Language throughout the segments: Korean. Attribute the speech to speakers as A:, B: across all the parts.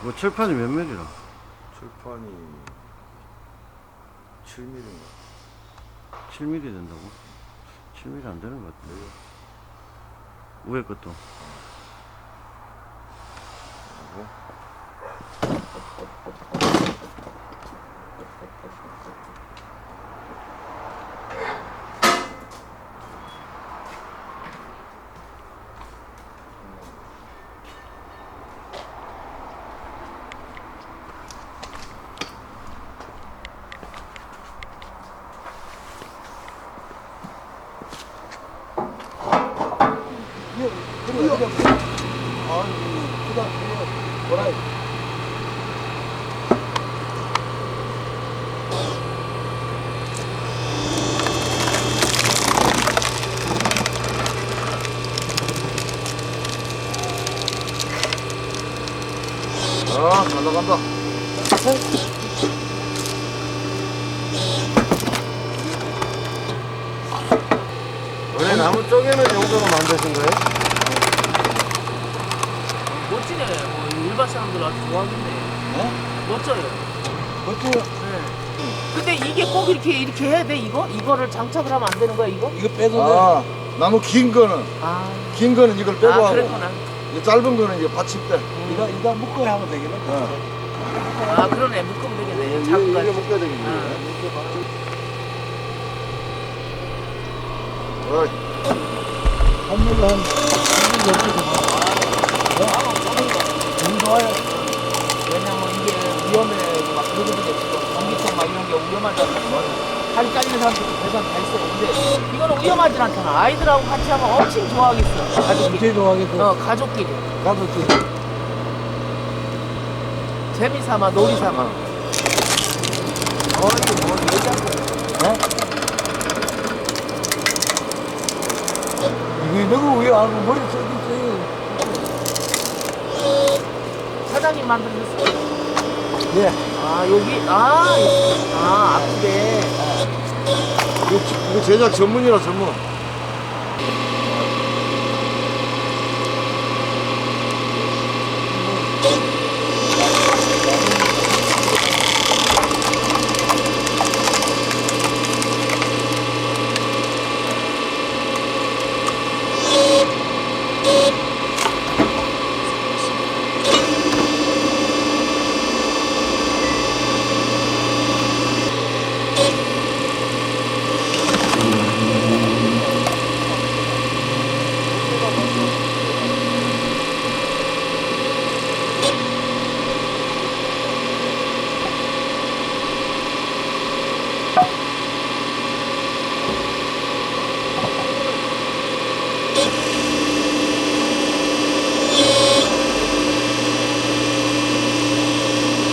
A: 뭐 철판이 몇 밀이라?
B: 철판이 7mm인가?
A: 7mm 된다고? 7mm 안 되는 것 같은데. 위에 것도.
B: 아, 잘 나간다.
A: 원래 나무 쪼개는 용도로 만드신 거예요?
C: 멋지네. 뭐 일반 사람들 아주 좋아하겠네. 멋져요.
D: 어때요?
C: 네. 근데 이게 꼭 이렇게 해야 돼 이거? 이거를 장착을 하면 안 되는 거야 이거?
D: 이거 빼도
B: 아, 나무 긴 거는 이걸 빼고 하고,
C: 그랬구나.
B: 이 짧은 거는 이제 받침대.
D: 이거 묶어야 하면 되겠네.
C: 아 그러네. 묶으면 되겠네.
B: 이게
C: 자꾸까지.
B: 묶어야 되겠네.
D: 한물로 한 3분 정도 너무 좋아요.
C: 왜냐면 이게 위험해. 막 그러거든요. 지금 전기통 막 이런 게 위험하잖아. 다리 잘리는 사람들도 대단 다 있어. 근데 이거는 위험하진 않잖아. 아이들하고 같이 하면 엄청 좋아하겠어. 가족끼리.
D: 제일 좋아하겠어.
C: 가족끼리.
D: 가족끼리.
C: 재미삼아 놀이삼아. 이거 뭐 얘기하고.
D: 이게 너무 왜 알고 머리 써있어요.
C: 사장님 만들었어.
D: 예.
C: 여기 앞에.
B: 이거 제작 전문이라 전문.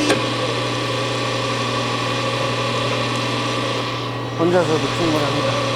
A: 혼자서도 충분합니다.